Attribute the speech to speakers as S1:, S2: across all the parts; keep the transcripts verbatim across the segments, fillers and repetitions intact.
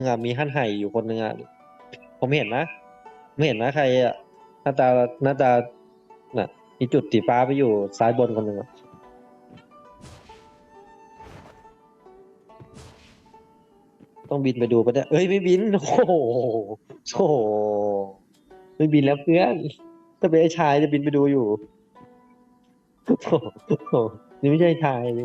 S1: อะมีขั้นไห่อยู่คนหนึ่งอะผมเห็นนะไม่เห็นนะใครอะหน้าตาหน้าตาน่ะมีจุดสีฟ้าไปอยู่ซ้ายบนคนหนึ่งอะต้องบินไปดูปะเนี่ยเอ้ยไม่บินโอ้โหโอ้โหไม่บินแล้วเพื่อนถ้าเป็นไอ้ชายจะบินไปดูอยู่โอ้โหนี่ไม่ใช่ชายนี่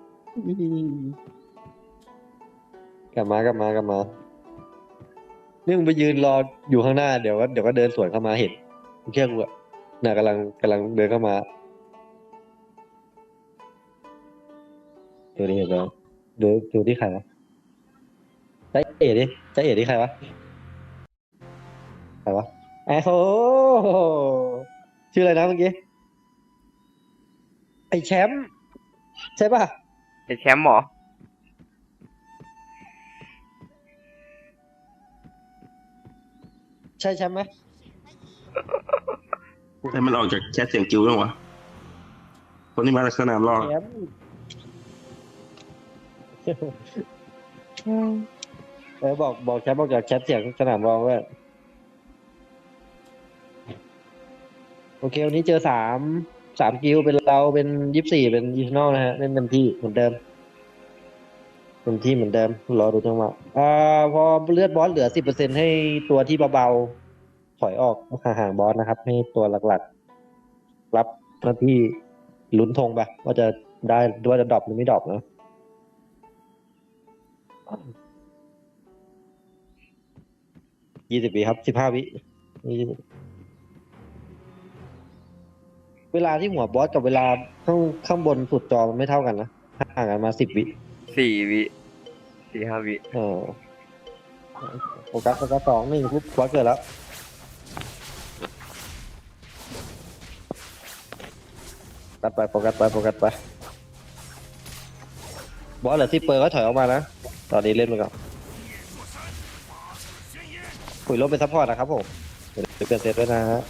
S1: กลับมากลับมากลับมานี่มึงไปยืนรออยู่ข้างหน้าเดี๋ยวก็เดี๋ยวก็เดินสวนเข้ามาเห็นมึงเชื่อกูอะน่ะกำลังกำลังเดินเข้ามาดูนี่เห็นไหมดูดูที่ใครวะใจเอ๋ดิใจเอ๋ที่ใครวะใครวะแอ้โหชื่ออะไรนะเมื่อกี้ไอ้แชมป์ใช่ป่ะ
S2: ไอ้แชมป์หมอ
S1: ใช่แชมป์ไหม
S3: ให้มันออกจากแชทเสียงจิ๋วบ้างวะคนที่มาจากสนามรอ
S1: แชมป์เออบอกบอกแชมป์บอกจากแชทเสียงสนามรองด้วยโอเควันนี้เจอสามสามกิลเป็นเราเป็นยี่สิบสี่เป็นอีทนอลนะฮะเล่นเต็มที่เหมือนเดิมเต็มที่เหมือนเดิมรอดูจังหวะอ่าพอเลือดบอสเหลือสิบเปอร์เซ็นต์ให้ตัวที่เบาๆถอยออกห่างๆบอสนะครับให้ตัวหลักๆรับหน้าที่ลุ้นธงไปว่าจะได้ว่าจะดรอปหรือไม่ดรอปนะยี่สิบวิครับสิบห้าวิเวลาที่หัวบอสกับเวลาข้างข้างบนสุดจอมันไม่เท่ากันนะห่างกันมาสิบวิ
S2: สี่วิสี่ห้าวิ
S1: เออโฟกัสโฟกัสสองหนึ่งปุ๊บบอสเกิดแล้วตัดไปโฟกัสไปโฟกัสไปบอสเหลือที่เปิดก็ถอยออกมานะตอนนี้เล่นไปก่อนคุยลบเป็นซัพพอร์ตนะครับผมเดี๋ยวเปลี่ยนเซตด้วยนะฮะ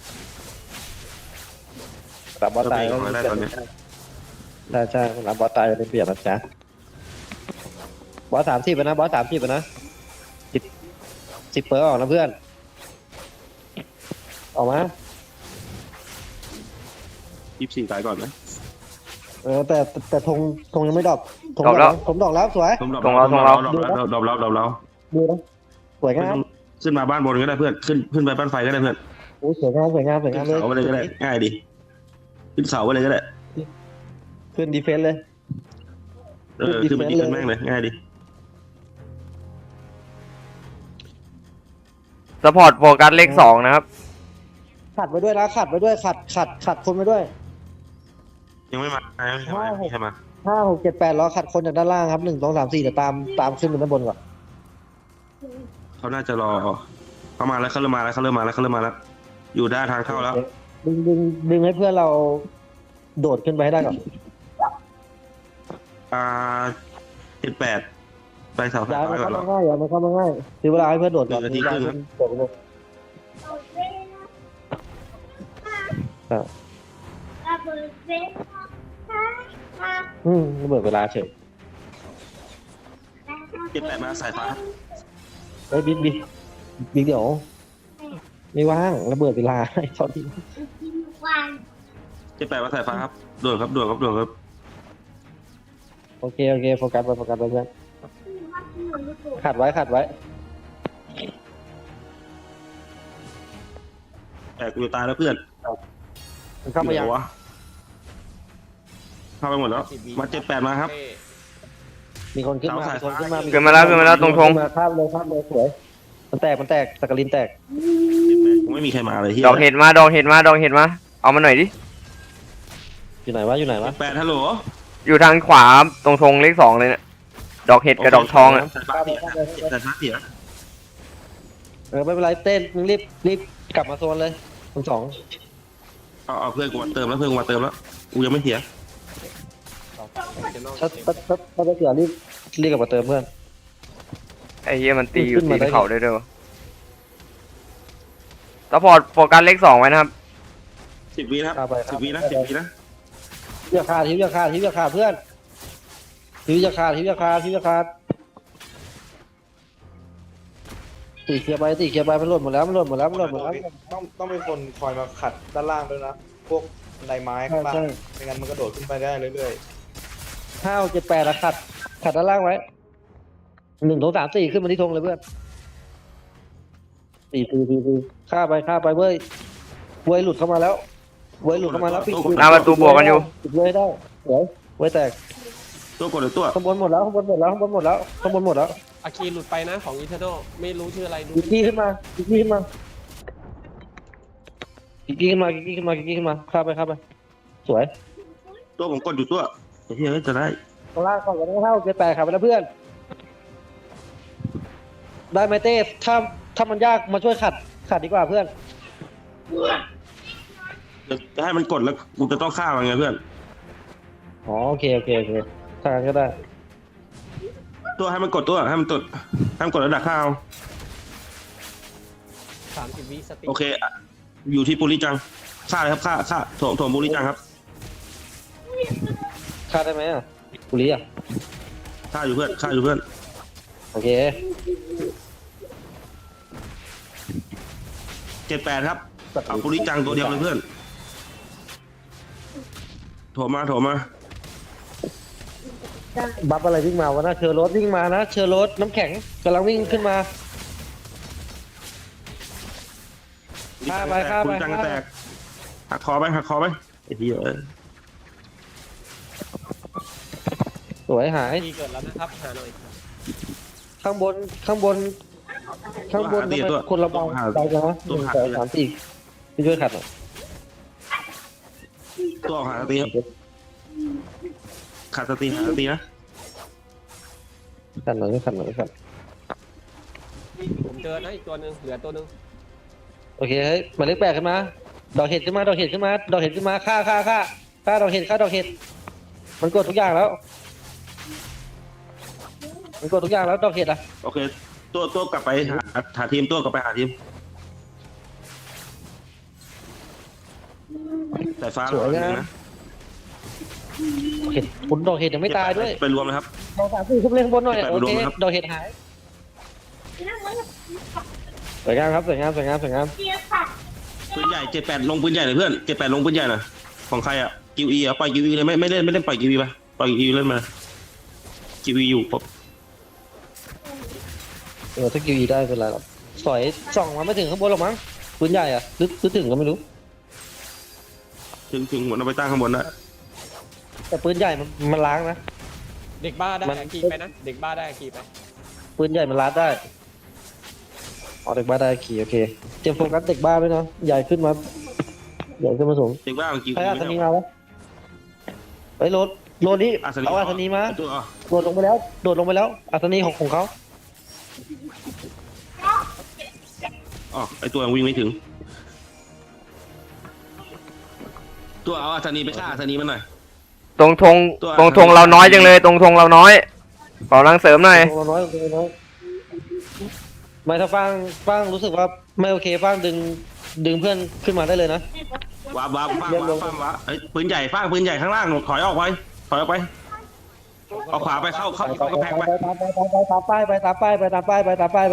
S1: รับบอสตายก็เปลี่ยนใช่ใช่รับบอสตายจะเป็นเปลี่ยนนะจ๊ะบอสสามสิบนะบอสสามสิบนะสิบสิบเปิดออกนะเพื่อนออกมา
S3: ยี่สิบสี่ตายก่อนไหม
S1: เออแต่แต่ธงธงยังไม่ดรอปธงดรอปแล้วธงดรอปแล้วสวย
S3: ดรอปเราดรอปเราดรอปเราดรอปเราดรอปเรา
S1: ดูนะสวยงาม
S3: ขึ้นมาบ้านบนก็ได้เพื่อนขึ้นขึ้นไปบ้านไฟก็ได้เพื่อน
S1: โอ้สวยงามสวยงามสวยงามเลย
S3: เสาไปเลยก็ได้ง่ายดีขึ้นเสาไปเลยก็ได้
S1: ขึ้นดีเฟนส์เลย
S3: เออขึ้นไปดีขึ้นแม่งเลยง่ายดี
S2: สปอร์ตโฟกัสเลขสองนะครับ
S1: ขัดไว้ด้วยนะขัดไว้ด้วยขัดขัดขัดคนไว้ด้วย
S3: ยังไม่มายังไม่ใช่มา
S1: ห้าหกเจ็ดแปดล้อขัดคนจากด้านล่างครับหนึ่งสองสามสี่เดี๋ยวตามตามขึ้นไปด้านบนก่อน
S3: เขาน่าจะรอเขามาแล้วเขาเริ่มมาแล้วเขาเริ่มมาแล้วเขาเริ่มมาแล้วอยู่ด้านทางเข้าแล้ว
S1: ดึงดึงดึงให้เพื่อนเราโดดขึ้นไปให้ได้ก่อน
S3: อ่าเจ็ดแปดไปเสาไฟ
S1: ฟ้าก่อน
S3: หรอ
S1: ง่ายอย่ามาเข้ามาง่ายคือเวลาให้เพื่อนโดดก่อนทีครึ่งโดดไปเลยอืมระเบิดเวลาเฉย
S3: เจ็ดแปดมาสายฟ้า
S1: เฮ้ยบิ๊กบิ๊กบิ๊กเดี๋ยวไม่ว่างระเบิดเวลาไอ้ตอนที่
S3: เจ็ดแปดมาสายฟ้าครับด่วนครับด่วนครับด่วนครับ
S1: โอเคโอเคโฟกัสไปโฟกัสไปเพื่อนขัดไว้ขัดไว้
S3: แต่กูตายแล้วเพื่อน
S1: เข้ามายัง
S3: เข้าไปหมดแล้วมาเจ็ดแปดมาครับ
S1: มีคนขึ้นมามีคนขึ้นมา
S2: ขึ้นมาแล้วขึ้นมาแล้วตรงทง
S1: ข้ามเลยข้ามเลยสวยมันแตกมันแตกสกลินแตก
S3: ไม่มีใครมาเลยที่
S2: ดอกเห็ดมาดอกเห็ดมาดอกเห็ดมาเอามาหน่อยดิ
S1: อยู่ไหนวะอยู่ไหนวะ
S3: แปดฮัลโหล
S2: อยู่ทางขวาตรงทงเลขสองเลยเนี่ยดอกเห็ดกับดอกทองอ่ะ
S3: แต่ฟ้าเสีย
S1: เออไม่เป็นไรเต้นมึงรีบรีบกลับมาโซนเลยทั้งสอง
S3: เอาเอาเพื่อนกูมาเติมแล้วเพื่อนกูมาเติมแล้วกูยังไม่เสีย
S1: ถ้าถ้าถ้าถ้าได้เสียรีบรีบกลับมาเติมเพื่อน
S2: ไอ้เหี้ยมันตีอยู่ตีเขาได้ด้วยสปอร์ตโฟกัสเลขสองไว้นะครับ
S3: สิบวินะสิบวินะสิบวินะ
S1: ทิวขาดทิวขาดทิวขาดเพื่อนทิวขาดทิวขาดทิวขาดตีเคลียร์ไปตีเคลียร์ไปมันหล่นหมดแล้วมันหล่นหมดแล้วมันหล่นหมดแล้ว
S4: ต้องต้องเป็นคนคอยมาขัดด้านล่างด้วยนะ พวกบันไดไม้ข้างล่าง
S1: ใช่
S4: ไม่งั้นมันกระโดดขึ้นไปได้เรื่อย
S1: ห้าเจ็ดแปดแล้วขัดขัดด้านล่างไว้หนึ่งสองสามสี่ขึ้นมาที่ธงเลยเพื่อนสี่สี่สี่สี่ฆ่าไปฆ่าไปเว้ยเว้ยหลุดเข้ามาแล้วเว้ยหลุดเข้ามาแล้วปิด
S2: หน้าประตูบวกกันอยู่
S1: ปิดเว้ยได้เดี๋ยวเว้ยแตก
S3: ตัวกดเลยตัว
S1: ข้างบนหมดแล้วข้างบนหมดแล้วข้างบนหมดแล้วข้างบนหมดแล้ว
S5: อาคีหลุดไปนะของอีเทอร์โนไม่รู้ชื่ออะไรดู
S1: กิกกี้ขึ้นมากิกกี้ขึ้นมากิกกี้ขึ้นมากิกกี้ขึ้นมากิกกี้ขึ้นมาฆ่าไปฆ่าไปสวย
S3: ตัวผมกดอยู่ตัวไอ้เหี้ยจะได้
S1: ข้างล่างก่อนกันห้าเจ็ดแปดขับไปแล้วเพื่อน ได้ไหมเต้ถ้าถ้ามันยากมาช่วยขัดขัดดีกว่าเพื่อน
S3: จะให้มันกดแล้วกูจะต้องฆ่ามันไงเพื่อน
S1: อ๋อโอเคโอเคโอเคทางนั้นก็ได้
S3: ตัวให้มันกดตัวให้มันตดให้มันกดแล้วดักฆ่าเอา
S5: สามสิบวิสติ
S3: โอเคอะอยู่ที่ปุริจังฆ่าเลยครับฆ่าฆ่าโถมโถมปุริจังครับ
S1: ฆ่าได้ไหมอ่ะกุลีอ่ะ
S3: ฆ่าอยู่เพื่อนฆ่าอยู่เพื่อน
S1: โอเค
S3: เจ็ดแปดครับเอาปุริจังตัวเดียวเลยเพื่อนโถมมาโถมมา
S1: บัฟอะไรวิ่งมาวะนะเชอร์โรสวิ่งมานะเชอร์โรสน้ำแข็งกำลังวิ่งขึ้นมา ฆ่าไปฆ่าไป
S3: ปุริจังก็แตกหักคอไปหักคอไปไอ้เหี้ยเอ้ย
S1: สวยหาย
S5: ทีเกิดแล้วนะครับหาหน่อย
S1: ข้างบนข้างบน ข้างบนทำไมคนละเบาไปจังวะหนึ่งสองสามสี่พี่ช่วยขัดหน่อย
S3: ตัวออกหาสตีครับขาดสตีหาสตีนะ
S1: ขัดหน่อยขัดหน่อยขัด
S5: ผมเจอนะอีกตัวหนึ่งเหลือตัวหนึ่ง
S1: โอเคเฮ้ยหมายเลขแปดขึ้นมาดอกเห็ดขึ้นมาดอกเห็ดขึ้นมาดอกเห็ดขึ้นมาฆ่าฆ่าฆ่าฆ่าดอกเห็ดฆ่าดอกเห็ดมันกดทุกอย่างแล้ว มันกดทุกอย่างแล้วดอกเห็ดอ่ะ
S3: โอเคตัวตัวกลับไปหาหาทีมตัวกลับไปหาทีมสายฟ้า
S1: สวยนะเห็ดผลดอกเห็ดยังไม่ตายด้วย
S3: ไปรวมนะครับ
S1: ดอกสามสี่ขึ้นเล่นข้างบนหน่อย
S3: เก็บไป
S1: โอ
S3: รวม
S1: เค
S3: นะครับ
S1: ดอกเห็ดหายสวยงามครับสวยงามสวยงามสวยงาม
S3: ปืนใหญ่เจ็ดแปดลงปืนใหญ่เลยเพื่อนเจ็ดแปดลงปืนใหญ่หน่อยของใครอ่ะกิวอีอ่ะปล่อยกิวอีเลยไม่ไม่เล่นไม่เล่นปล่อยกิวอีไปปล่อยกิวอีเล่นมากิวอีอยู่ผม
S1: เออถ้ากิวอีได้เป็นไรหรอกสอยส่องมาไม่ถึงข้างบนหรอกมั้งปืนใหญ่อ่ะหรือหรือถึงก็ไม่รู้
S3: ถึงถึงหมดเอาไปตั้งข้างบนได้
S1: แต่ปืนใหญ่มันมันล้างนะ
S5: เด็กบ้าได้
S1: มัน
S5: อาคีไปนะเด็กบ้าได้อาคีไป
S1: ปืนใหญ่มันล้างได้อ๋อเด็กบ้าได้ขี่โอเคเตรียมโฟกัสเด็กบ้าไว้เนาะใหญ่ขึ้นมาใหญ่ขึ้นมาสูง
S3: เด็กบ้ามันกิว
S1: ใคร
S3: อี
S1: อา
S3: ไม่
S1: สนี
S3: เอา
S1: มาวะเฮ้ยโหลดโหลดนี้
S3: อาสนี
S1: เอาอาสนีมา
S3: ตัวอ่ะ
S1: โดดลงไปแล้วโดดลงไปแล้วอาสนีของของเขา
S3: อ๋อไอตัวยังวิ่งไม่ถึง ตัวเอาอาสนีไปฆ่าอาสนีมันหน่อย
S2: ตรงธง
S3: ตัว
S2: ตรงธงเราน้อยจังเลย ตรงธงเราน้อยขอกำลังเสริมหน่อย
S1: ตัวน้อยตัวน้อยไม่ถ้าฟังฟังรู้สึกว่าไม่โอเคฟังดึงดึงเพื่อนขึ้นมาได้เลยนะ
S3: ว้าบว้าบว้าบ
S1: เรียบร้
S3: ว้า
S1: อย
S3: บว้าบเอ้ยปืนใหญ่ฟางปืนใหญ่ข้างล่างถอยออกไปถอยออกไปเอาขวาไปเข้าเข้า
S1: ไป
S3: เข้ากระแพงไป
S1: ตามไปตามป้ายไปตามป้ายไปตามป้ายไปตามป้ายไป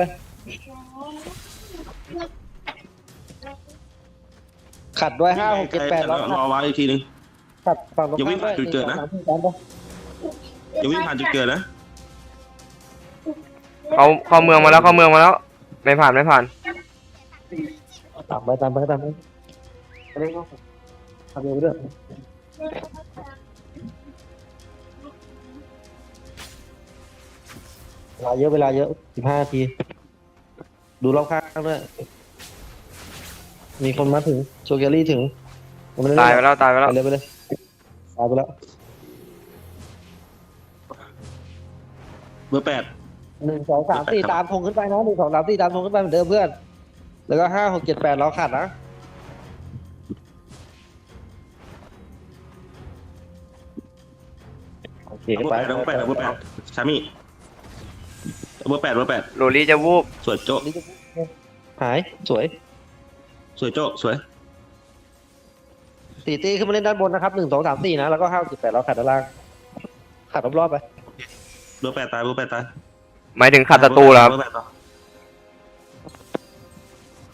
S1: ขัดด้วยห้าหกเจ็ดแปดแล้ว
S3: รอไว้อีกทีนึง
S1: ขัดฝั่งตรง
S3: อย่าวิ่งผ่านจุดเกิดนะ อย่าวิ่งผ่านจุดเกิดนะ
S2: เขาเข้าเมืองมาแล้วเข้าเมืองมาแล้ว ไม่ผ่านไม่ผ่าน
S1: ตามไปตามไปตามไปเร่งเข้าทำเร็วด้วยเวลาเยอะเวลาเยอะสิบห้านาทีดูรอบข้างด้วยมีคนมาถึงโชเกอรี่ถึง
S2: ตายไปแล้วตายไปแล้ว
S1: ไปเลยไปเลยตายไปแล้ว
S3: เบอร์แปด
S1: หนึ่งสองสามสี่ตามธงขึ้นไปนะหนึ่งสองสามสี่ตามธงขึ้นไปเหมือนเดิมเพื่อน แล้วก็ห้าหกเจ็ดแปดเราขาดนะโอเค
S3: เบอร์
S1: ไป
S3: แปดเบอร์แปดเบอร์แปดชามี่เบอร์แปดเบอร์แปด
S2: โรลี่จะวูบ
S3: สวยโจ๊ะ
S1: หายสวย
S3: สวยโจ๊ะสวย
S1: สี่ตีขึ้นมาเล่นด้านบนนะครับหนึ่งสองสามสี่นะแล้วก็ห้าเจ็ดแปดเราขาดด้านล่างขาดรอบๆไป
S3: เบอร์แปดตายเบอร์แปดตาย
S2: หมายถึงขัดศัตรูเหรอครับ
S3: เบอร์แปดต่อ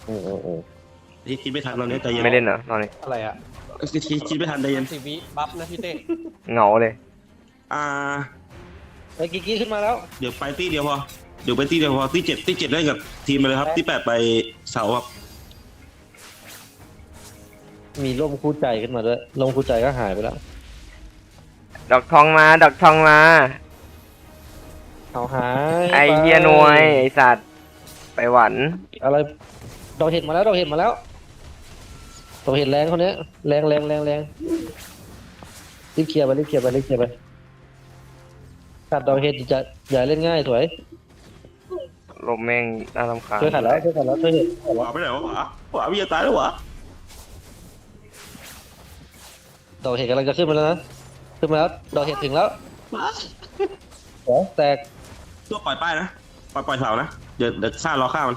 S1: โอ้โอ้โอ้
S3: คิดคิดไม่ทันเราเนี่ยใจเย็น
S2: ไม่เล่นเหรอตอนนี้
S4: อะไรอ่ะ
S3: คิดคิดคิดไม่ทันใจเย็น
S5: สิบวิบัฟนะพี่เต้
S2: เหงาเลย
S3: อ่า
S1: ไอ้กิกกี้ขึ้นมาแล้ว
S3: เดี๋ยวไปตีเดียวพอเดี๋ยวไปตีเดียวพอตีเจ็ดตีเจ็ดเล่นกับทีมไปเลยครับที่แปดไปเสาครับ
S1: มีร่มคู่ใจขึ้นมาด้วยร่มคู่ใจก็หายไปแล้ว
S2: ดอกทองมาดอกทองมา
S1: เอาหาย
S2: ไอ
S1: ป
S2: เฮียหนวยไอสัตว์ไปหวัน
S1: อะไรดอกเห็ดมาแล้วดอกเห็ดมาแล้วดอกเห็ดแรงคนเนี้ยแรงแรงแรงแรงรีบเคลียร์ไปรีบเคลียร์ไปรีบเคลียร์ไปขัดดอกเห็ดจะอย่าเล่นง่ายสวย
S2: ลมแม่งน่ารำคาญ
S1: ช่วยขัดแล้วช่วยขัดแล้วช่วยเห็ดขัด
S3: ห
S1: แล้ว
S3: วาไปไหนวะหวาหวาพี่จะตายแล้วหวา
S1: ดอกเห็ดกำลังจะขึ้นมาแล้วนะขึ้นมาแล้วดอกเห็ดถึงแล้วโอ้แตก
S3: ตัวปล่อยป้ายนะปล่อยปล่อยเสานะเดี๋ยวเดี๋ยวฆ่ารอฆ่ามัน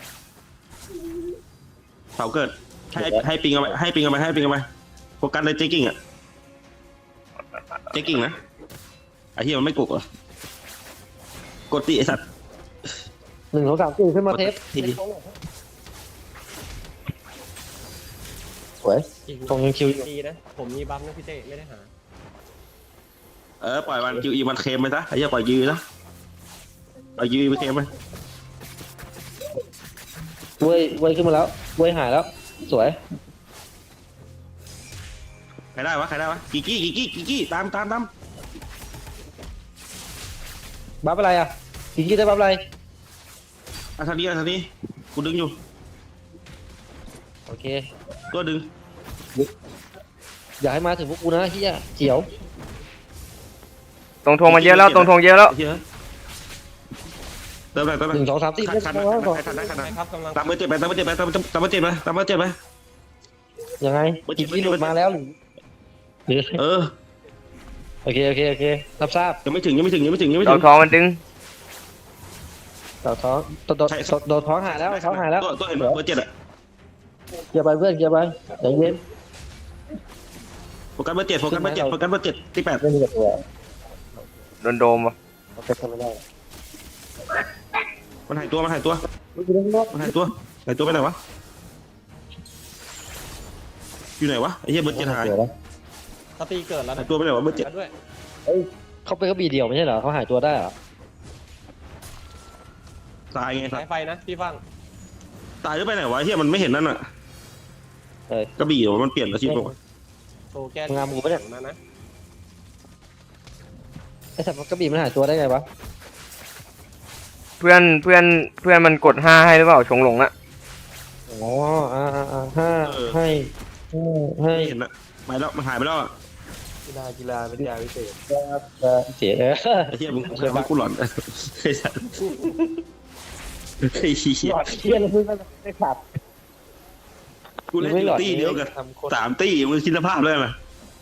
S3: เสาเกิดให้ให้ปิงเอาไปให้ปิงเอาไปให้ปิงเอาไปโฟกัสเลยเจ๊กิ้งอ่ะเจ๊กิ้งนะไอ้เหี้ยมันไม่กดเหรอกดตีไอ้สัตว์
S1: หนึ่งสองสามสี่ขึ้นมาเทป
S3: ทีดี
S1: สวย
S5: อีก
S1: ตรงยังคิวอยู่
S5: ดีนะผมมีบัฟนะพี่เต้ไม่ได้หา
S3: เออปล่อยมันคิวอีมันเค็มไปซะไอ้เหี้ยปล่อยยืนะปล่อยยืไปเค็มไป
S1: เว้ยเว้ยขึ้นมาแล้วเว้ยหายแล้ว สวย
S3: ใครได้วะใครได้วะกิกกี้กิกกี้กิกกี้ตามตามตาม
S1: บัฟอะไรอ่ะกินกี้ได้บัฟอะไร
S3: อ่ะทางนี้อ่ะทางนี้กูดึงอยู่
S1: โอเค
S3: ตัวดึง
S1: อย่าให้มาถึงพวกกูนะเฮียเขียว
S2: ตรงทงมันเยอะแล้วตรงทงเยอะแล้ว
S3: ไอ้เหี้ยเติมไปเติมไป
S1: หนึ่งสองสามสี่
S3: ขั
S1: ไม่
S3: ดขัด
S1: ต้
S3: นะ
S1: อง
S3: ขัดนะขัดนะขัด
S5: ใช่
S3: นะครับ
S5: กำลัง
S3: ตามเบอร์เจ็ดไปตามเบอร์เจ็ดไปตามตามเบอร์เจ็ดไปตามเบอร์เจ็ดไป
S1: ยังไงกินกี้หลุดมาแล้วหรือหรือ
S3: เออ
S1: โอเคโอเคโอเครับทราบ
S3: ยังไม่ถึงยังไม่ถึงยังไม่ถึงยังไม่
S2: ด
S3: ถึ
S2: อก
S3: ง
S2: ทองมันดึง
S1: ต่อท้องโดนโดนโดนท้องหายแล้วท้องหายแล้ว
S3: ตัวตัวเห็นไหมเบอร์เจ็ดอะ
S1: เกียร์ไปเพื่อนเกียร์ไปใจเย็น
S3: โฟกัสเบอร์เจ็ดโฟกัสเบอร์เจ็ดโฟกัสเบอร์เจ็ดที่แปด
S1: ไม่มีกับตัว
S2: โดนโดมวะ
S1: โอเคทำไม่ได้
S3: มันหายตัวมันหายตัว
S1: ไม่เป็นไรไม่
S3: มันหายตัวหายตัวไปไหนวะอยู่ไหนวะไอ้เหี้ยเบอร์เจ็ดหาย
S1: เป็นไร
S5: สตีเกิดแล้ว
S3: หา
S5: นะ
S3: ยตัวไปไหนวะเบอร์เจ็ด
S5: แล้วด้วย
S1: เขาเป็นกระบี่เดียวไม่ใช่เหรอเขาหายตัวได้เหรอ
S3: ตายไงสั
S5: สา
S3: ต
S5: ย
S3: ว์
S5: ไฟนะพี่ฟัง
S3: ตายหรือไปไหนวะไอ้เหี้ยมันไม่เห็นนั่นอะ
S1: เอ้ย
S3: กระบี่เหรอมันเปลี่ยนอาชีพปะวะ
S5: โตแกน
S1: งามกูปะเนี่ย
S5: นะนะ
S1: ไอ้สัตว์มันกระบี่มันหายตัวได้ไงวะ
S2: เพื่อนเพื่อนเพื่อนมันกดห้าให้หรือเปล่าชงหลงอะ
S1: อ๋ออ่าอ่าอ่าห้าให้ห้าให้
S3: ไม่เห็นอะไปแล้วมันหายไปแล้วอะ
S4: กีฬากีฬาเป็นยาพิเศษ
S1: เสียเออ
S3: ไอ้เหี้ยมึงทำให้กูหลอนไอ้สัตว์ไอ้เหี้ย
S1: หลอดเทียนเลยมึงไม่ขับ
S3: กูเล่นอยู่ตี้เดียวกัน
S4: ทำโคตร
S3: สามตี้มึงคิดสภาพเลยมั้ย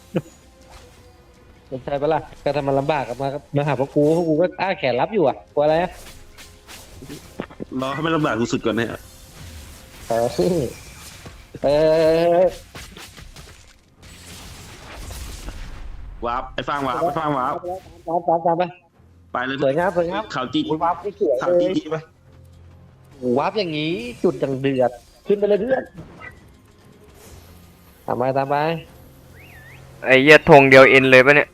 S1: สนใจปะล่ะก็ทำมันลำบากกับมามาหาพวกกูพวกกูก็อ้าแขนรับอยู่อ่ะกลัวอะไรอ่ะ
S3: รอให้มันลำบากกูสุดก่อนเนี่ย
S1: เออเออ
S3: วาร์ปไอ้ฟางวาร์ปไอ้ฟางวาร์ป
S1: ตามตามตามไป
S3: ไปเลย
S1: สวยงามสวยงาม
S3: ข่าวจี
S1: โอ้ยวับไม่สวย
S3: ข่าว
S1: เล
S3: จี
S1: ย
S3: จีไป
S1: วับอย่างนี้จุดอย่างเดือดขึ้นไปเลยเพื่อนตามไปตามไป
S2: ไอเหี้ยทงเดียวเอ็นเลยปะเนี่ย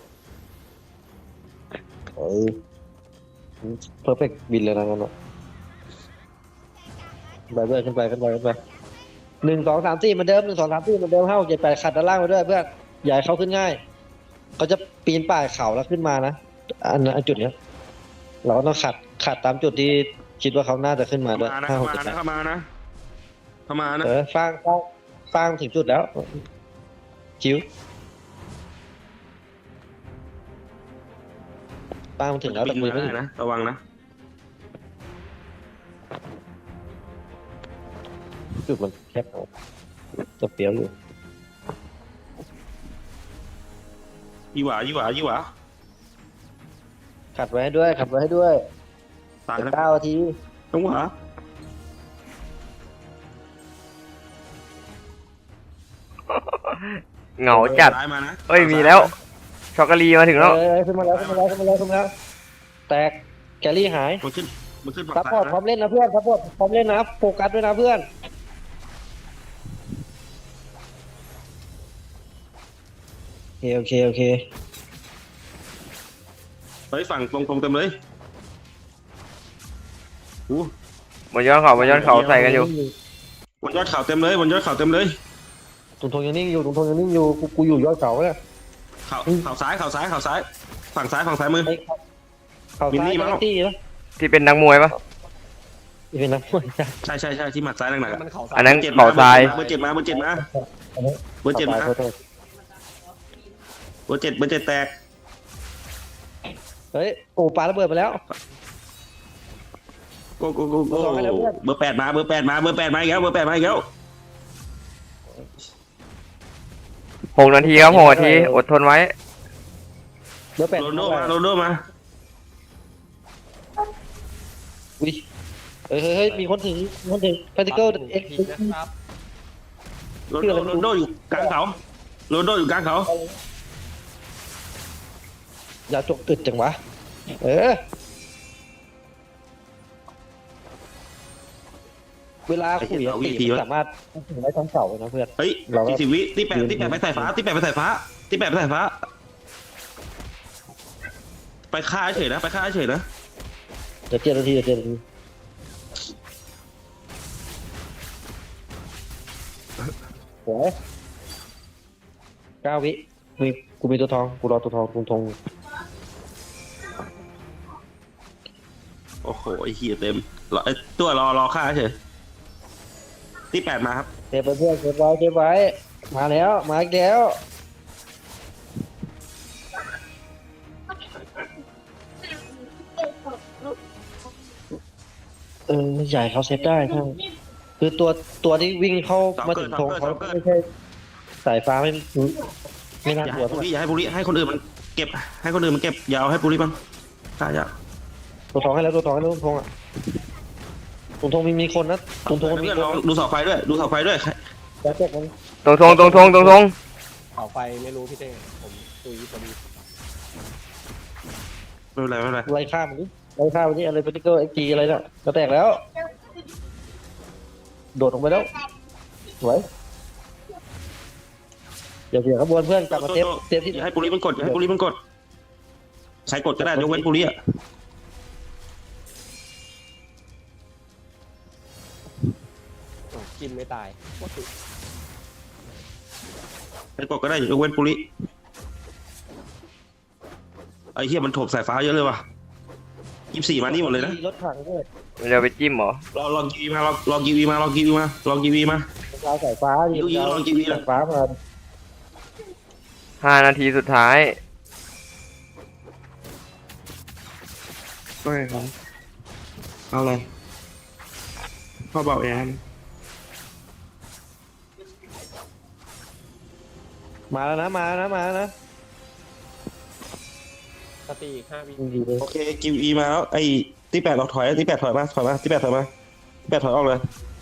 S1: เอ้ยเพอร์เฟกต์บินเลยนะงั้นอ่ะไปเพื่อนขึ้นไปขึ้นไปขึ้นไปหนึ่งสองสามสี่เหมือนเดิมหนึ่งสองสามสี่เหมือนเดิมห้าหกเจ็ดแปดขัดด้านล่างไปด้วยเพื่อนอย่าให้เขาขึ้นง่ายเขาจะปีนป่ายเขาแล้วขึ้นมานะอันนั้นอันจุดเนี้ยเราก็ต้องขัดขัดตามจุดที่คิดว่าเขาน่าจะขึ้นมาด้วย
S3: มานะ
S1: ห้าห
S3: เข้าก มา
S1: เจ็ดแป
S3: นะ
S1: ด
S3: เข้ามานะเข้ามานะ
S1: เออฟางฟางฟางถึงจุดแล้วคิวฟางมันถึงแล้วแต่
S3: ปิง
S1: มือ
S3: มา
S1: ไม่ถึง
S3: นะระวังนะ
S1: จุดมันแคบเอาจะเปรี้ยวอยู่
S3: ยี่หวายี่หวายี่หวา
S1: ขัดไว้ให้ด้วยขัดไว้ให้ด้วย
S3: ตายนะ
S1: เก้านาที
S3: ต้องหวา
S2: เหงาจัด
S3: ซ้ายมานะ
S2: เอ้ยมีแล้วช็อกโกแลตมาถึงแล้ว
S1: เออขึ้นมาแล้วขึ้นมาแล้วขึ้นมาแล้วขึ้นมาแล้วแตกแกลลี่หาย
S3: มันขึ้นมันขึ้นฝั่ง
S1: ซัพพอร์ตพร้
S3: ซ้า
S1: อย มเล่นนะเพื่อนซัพพอร์ตพร้อมเล่นนะโฟกัสด้วยนะเพื่อนเคโอเคโอเค
S3: เฮ้ยฝั่งตรงตรงเต็มเลยอู้
S2: บนยอดเขาบนยอดเขาใส่กันอยู่
S3: บนยอดเขาเต็มเลยบนยอดเขาเต็มเลย
S1: ตรงทงยังนิ่งอยู่ตรงทงยังนิ่งอยู่กูกูอยู่ยอดเขาเนี่ย
S3: เขาเขาซ้ายเขาซ้ายเขาซ้ายฝั่งซ้ายฝั่งซ้ายมือ
S1: ไอ้เขาเขา
S3: มิน
S1: ซ้าย
S3: นี่มั้ง
S1: แท็กซี่นะ
S2: ที่เป็นนักมวยปะ
S1: นี่เป็นนักมวยจ้ะ
S3: ใช่ใช่ใช่ที่หมัดซ้ายหนักๆอะ
S5: มันเขาซ้า
S2: อั
S5: ย
S2: นนั้น
S3: เจ็ด
S2: เขาทราย
S3: เบอร์เจ็ดมาเบอร์เจ็ดมา
S1: อันนี้
S3: เบอร์เจ็ดมา
S1: ขอโทษ
S3: เบอร์เจ็ดเบอร์เจ็ดแตก
S1: เฮ้ยโอ้ปาระเบิดไปแล้ว
S3: โก้โก้โก้โก้
S1: เบอร์สองให้แล้วเพื่อน
S3: เบอร์แปดมาเบอร์แปดมาเบอร์แปดมาอีกแล้วเบอร์แปดมาอีกแล้ว
S2: หกนาทีครับหกนาทีอดทนไว้
S1: เบอร์แปด
S3: โรนลโดมาโรนลโดมา
S1: อุ้ยเฮ้ยเฮ้ยเฮ้ยมีคนถึงมีคนถึงพาร์ติเคิลเอ็กซ์
S5: พีนะครับ
S3: โรนลโดโรนลโดอยู่กลางเขาโรนลโดอยู่กลางเขา
S1: อย่าจกตึดจังวะเออเวลาคุยอะตีมันสามารถถึงได้ทั้งเสาเลยนะเพื่อน
S3: เฮ้ย
S1: เราก็
S3: สี่สิบวิที่แปดที่แปดไปสายฟ้าที่แปดไปสายฟ้าที่แปดไปสายฟ้า ไปฆ่าเฉยนะไปฆ่าเฉยนะ
S1: เดี๋ยวเจ็ดนาทีเดี๋ยวเจ็ดนาทีโอ้ยเก้าวิมีกูมีตัวทองกูรอตัวทองตรงทง
S3: โอ้โหไอ้เหี้ยเต็มรอไอ้ตัวรอรอฆ่าเฉยที่แปดมาครับ
S1: เก็บไปเพื่อนเก็บไว้เก็บไว้มาแล้วมาอีกแล้วเออใหญ่เขาเซฟได้ใช่คือตัวตัวที่วิ่งเข้ามาถึงธงเขาไม่ใช่สายฟ้าไม่ไม่น่า
S3: อย่าก
S1: ลัว
S3: ให้ปุริอย่าให้ปุริให้คนอื่นมันเก็บให้คนอื่นมันเก็บอยาวให้ปุริบ้างฆ่ายาก
S1: ตัวทองให้แล้วตัวทองให้แล้วตัวทองอ่ะตัวทองมีมีคนนะตัวทองมี
S3: เพื่อน
S1: คน
S3: ลองดูเสาไฟด้วยดูเสาไฟด้วย
S1: แล้วแต่มัน
S2: ตรงทงตรงทงตรงทง
S5: เขาไฟไม่รู้พี่เต้ผมตุยพอดี
S3: ไม่เป็นไรไม่เป็นไร
S1: ไล่ข้ามมันดิไล่ข้ามมันดิอะไรเป็นติ๊กเกอร์เอ็กจีอะไรน่ะจะแตกแล้ว โดดลงไปแล้วสวยเดี๋ยวเดี๋ยวขบวนเพื่อนกลับมาเซฟเซฟที่
S3: อย่าให้ปุริมันกดอย่าให้ปุริมันกดใช้กดก็ได้ยกเว้นปุริอ่ะ
S5: โอ้กินไม่ตายโคตรสุด
S3: ใช้กดก็ได้ยกเว้นปุริไอ้เหี้ยมันโถบสายฟ้าเยอะเลยว่ะยี่สิบสี่มานี่หมดเลยนะ
S1: รถถังด้วย
S2: มันจะไปจิ้มเหรอ
S3: ลองลองกีวีมาลองลองกีวีมาลองกีวีมาลองกีวีมา
S1: ดาวสายฟ้า
S3: ยิงยิงลองยิงยิง
S1: สายฟ้ามา
S2: ห้านาทีสุดท้ายก็ครับ
S3: เอาเลยพ่อเบาแอน
S1: มาแล้วนะมาแล้วนะมาแล้วนะ
S5: สตีอีกห้าวิ
S1: ดีเลย
S3: โอเคกีวีมาแล้วไอ้ที่แปดเราถอยที่แปดถอยมาถอยมาที่แปดถอยมาที่แปดถอยออกเลย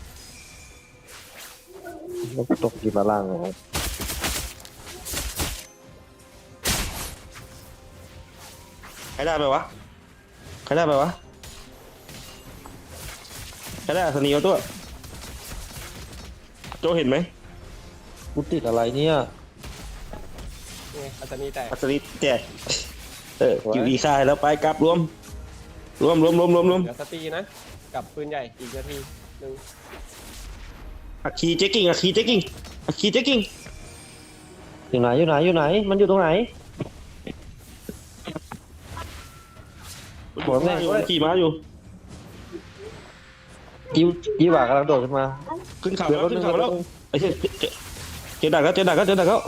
S1: ตกกีมาล่างเลย
S3: ใครได้ไปวะใครได้ไปวะใครได้อัศนีเอาตัวโจเห็นไหม
S1: กูติดอะไรเนี่ย
S5: นี่อาจจะมีแต่
S3: อัศนีแจกเออกีวีค่ายแล้วไปกลับรวมรวมรวมรวมรวมรวม
S5: เหลือสตีนะ กับปืนใหญ่อีกนาทีหนึ่ง
S3: อัคคีเจ๊กิ้งอัคคีเจ๊กิ้งอัคคีเจ๊กิ้ง
S1: อยู่ไหนอยู่ไหนอยู่ไหน มันอยู่ตรงไหน
S3: หัวแม่อยู่ขี่ม้าอยู่
S1: ยิ้วยิ้วบ่ากำลังโดดขึ้นมา
S3: ขึ้นเขา
S1: เดี๋ยว
S3: แล้ว
S1: แป๊บนึ
S3: ขึ้
S1: ง
S3: นเขาแล้วไอ้เจ๊เจ๊เจอดักแล้วเจอดักแล้วเจอดักแล้ว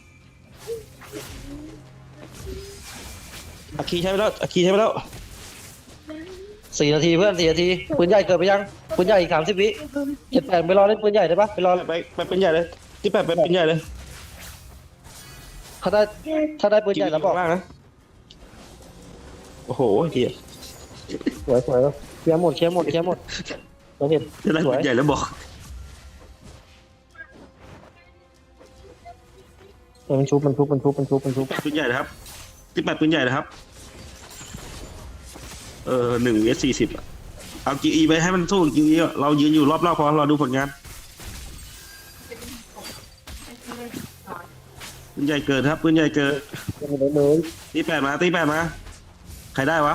S3: อัคคีใช้ไปแล้วอัคคีใช้ไปแล้ว
S1: สี่นาทีเพื่อนสี่นาทีปืนใหญ่เกิดไปยังปืนใหญ่อีกสามสิบวิเจ็ดแปดไปรอเล่นปืนใหญ่ได้ปะไปรอ
S3: ไปไปเป็นใหญ่เลยที่แปดไปเป็นใหญ่เลย
S1: ถ้าได้ถ้าได้ปืนใหญ่แล้วบอก
S3: มากนะโอ้โหเฮีย
S1: สวยสวยแล้วเคลียร์หมดเคลียร์หมดเคลียร์หมดเราเห็น
S3: จะได้
S1: สวย
S3: เป็นใหญ่แล้วบอก
S1: เออมันชุบมันชุบมันชุบมันชุบมันชุบ
S3: ปืนใหญ่นะครับที่แปดปืนใหญ่นะครับเออหนึ่งเอสสี่สิบเอาจีอีไปให้มันสู้จีอีเรายืนอยู่รอบๆพอเราดูผลงานปืนใหญ่เกิดครับปืนใหญ่เกิด
S1: ยังไม่ได้เลย
S3: ตีแปดมาตีแปดมาใครได้วะ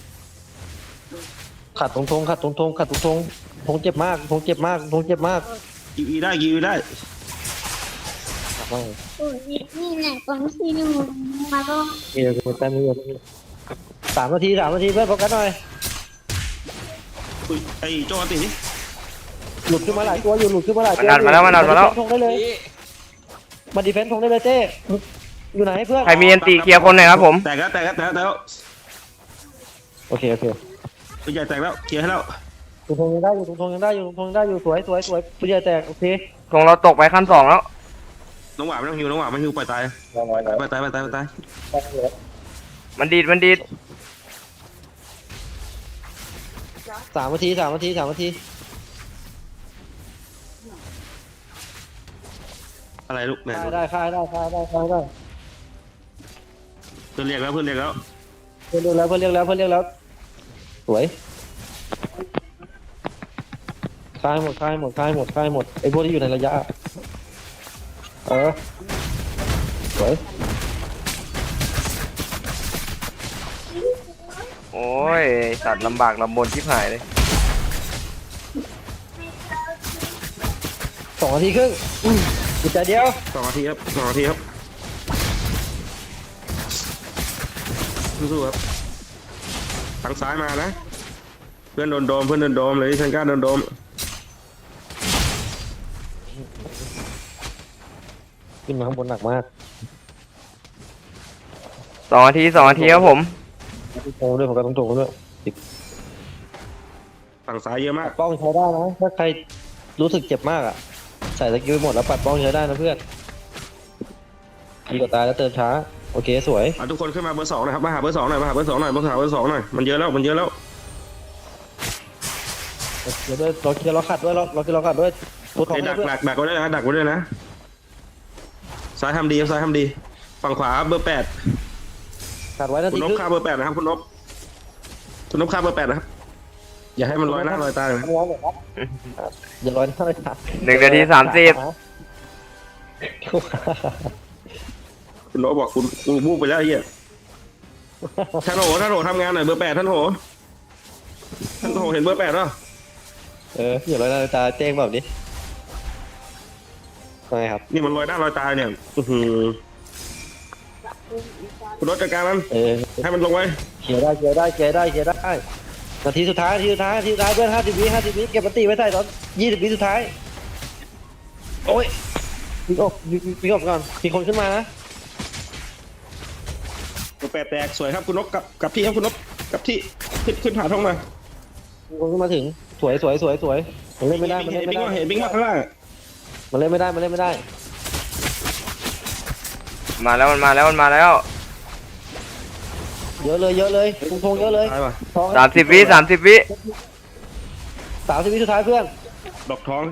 S1: ขัดตรงทงขัดตรงทงขัดตรงทงทงเจ็บมากทงเจ็บมากทงเจ็บมาก
S3: กิวอีได้กิวอีได้
S1: ขัดมาก
S6: โอ้ยนี่แหละตอนที่หนูมาก็
S1: เออแต้มนี้สามนาทีสามนาทีเพื่อนโฟกัสหน่อย
S3: อุ้ยไอ้โจ้ตีนี่
S1: หลุดขึ้นมาหลายตัวอยู่หลุดขึ้นมาหลายตัว
S2: มันดันมาแล้วมันดันมาแล้ว
S1: ทงได้เลย
S5: นี่
S1: มาดีเฟนส์ทงได้เลยเจ้อยู่ไหนเพื่อน
S2: ใครมีอันตีเคลียร์คนหน่อยครับผม
S3: แตกแล้วแตกแล้วแตกแล้วแตกแล้ว
S1: โอเคโอเค
S3: ปืนใหญ่แตกแล้วเคลียร์ให้แล้ว
S1: ตรงทงยังได้อยู่ตรงทงยังได้อยู่ตรงทงยังได้อยู่สวยสวยสวยปุ้ยใหญ่แตกโอเค
S2: ธงเราตกไปขั้นสองแล้ว
S3: น้องหวานไม่ต้องหิวน้องหวานไม่หิวปล่อยตาย
S1: ลองไว้
S3: ปล่อยตายปล่อยตายปล่อยตาย
S2: มันดีดมันดีด
S1: สามนาทีสามนาทีสามนาที
S3: อะไรลูกแม่
S1: ได้ได้ค่ายได้ค่ายได้ค่ายได้
S3: เพื่อนเรียกแล้วเพื่อนเรียกแล้ว
S1: เพื่อนเรียกแล้วเพื่อนเรียกแล้วเพื่อนเรียกแล้วสวยค่ายหมดค่ายหมดค่ายหมดค่ายหมดไอ้พวกที่อยู่ในระยะเออสวย
S2: โอ้ยสัตว์ลำบากลำบนชิบหายเลย
S1: สองนาทีครึ่งอืมอีกแต่เดียว
S3: สองนาทีครับสองนาทีครับสู้ๆครับทางซ้ายมานะเพื่อนโดนโดมเพื่อนโดนโดมเลยชันก้าโดนโดม
S1: ขึ้นมาข้างบนหนักมาก
S2: สองนาทีสองนาทีครับผม
S1: โตด้วยผมก็ต้องโตด้วย
S3: ฝั่งซ้ายเยอะมาก
S1: ป้องใช้ได้นะถ้าใครรู้สึกเจ็บมากอ่ะใส่สกิลหมดแล้วปัดป้องใช้ได้นะเพื่อนดีกว่าตายแล้วเติมช้าโอเคสวย
S3: อ่ะทุกคนขึ้นมาเบอร์สองหนะครับมาหาเบอร์สองหน่อยมาหาเบอร์สองหน่อยมาหาเบอร์สองหน่อยมันเยอะแล้วมันเยอะแล้ว
S1: เดี๋ยวด้วยเราเคลียร์เราขัดด้วยเราเราเคลียร์เราขัดด้วยตัวทอง
S3: ไอ้
S1: ให้
S3: ดัก
S1: เพื่อน
S3: ดักดักไว้ด้วยนะดักไว้ด้วยนะซ้ายทำดีครับซ้ายทำดีฝั่งขวาเบอร์แปด
S1: ขัดไว้นา
S3: คุ
S1: ที
S3: ณน
S1: ค
S3: พ
S1: รึ่ง
S3: ฆ่าเบอร์แปดนะครับคุณนพคุณนพฆ่าเบอร์แปดนะครับอย่าให้มันลอยหน้าลอยตาเลยนะ
S1: ร้อนเลยครับอย่าร้อนหน้าเลยครับ
S2: หนึ่งนาทีสามสิบ
S3: คุณนพบอกคุณคุณมูกไปแล้วไอ้เหี้ยท่านโหท่านโหทำงานหน่อยเบอร์แปดท่านโหท่านโหเห็นเบอร์แปดป่ะ
S1: เอออย่าร้อนหน้าเลยตาเจ้งแบบนี้ไงครับ
S3: นี่มันลอยหน้าลอยตาเนี่ยอื้อหือคุณนพจัดการมัน
S1: เออ
S3: ให้มันลงไว้
S1: เคลียร์ได้เคลียร์ได้เคลียร์ได้เคลียร์ได้นาทีสุดท้ายนาทีสุดท้ายนาทีสุดท้ายเพื่อนห้าสิบวิห้าสิบวิเก็บปฏิไว้ใส่ตอนยี่สิบวิสุดท้ายโอ้ยวิ่งออกวิ่งวิ่งออกก่อนมีคนขึ้นมานะ
S3: เบอร์แปดแตกสวยครับคุณนพกับกับที่ครับคุณนพกับที่ขึ้นขึ้นผ่าท้องมา
S1: มีคนขึ้นมาถึงสวยสวยสวยสวยมันเล่นไม่ได้มัน
S3: เห็
S1: เล่
S3: น
S1: นไม่
S3: บิ๊ก
S1: ได้
S3: ว่าเห็นบิ๊กว่าข้างล่าง
S1: มันเล่นไม่ได้มันเล่นไม่ได้
S2: มาแล้วมันมาแล้วมันมาแล้ว
S1: เยอะเลยเยอะเลยทงทงเยอะเลย
S3: ตายป่ะ
S1: ทอง
S2: สามสิบวิสามสิบวิ
S1: สามสิบวิสุดท้ายเพื่อน
S3: ดอกทอง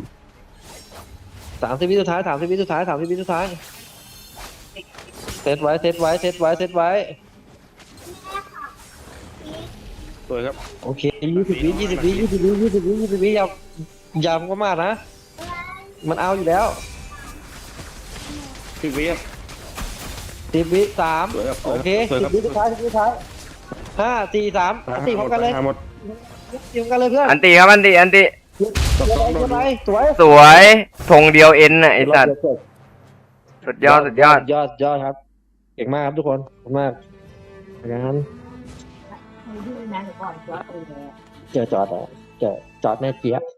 S1: สามสิบวิสุดท้ายสามสิบวิสุดท้ายสามสิบวิสุดท้ายเซตไว้เซตไว้เซตไว้เซตไว้
S3: สวยครับ
S1: โอเคยี่สิบวิยี่สิบวิยี่สิบวิยี่สิบวิยี่สิบวิอย่าอย่าก็มากนะ มันเอาอยู่แล้ว
S3: สิบวิครับ
S1: สิบวิสาม
S3: สวยครับ
S1: โอเค
S3: สวย
S1: สิ
S3: ครับ บ
S1: วิสุดท้ายสิบวิสุดท้ายห้าสี่สามตีพร้อมกันเลย
S3: หาหมด
S1: ตีพร้อมกันเลยเพื่อน
S2: อันตีครับอันตีอันตี
S1: เดี๋ยวไปเดี๋ยวไปสวย
S2: สวยธงเดียวเอ็นน่ะไอสัตว์สุดยอดสุดยอด
S1: ยอดยอดครับเก่งมากครับทุกคนขอบคุณมากอย่างนั้นเจอจอดเหรอเจอจอดแม่เจี๊ยบ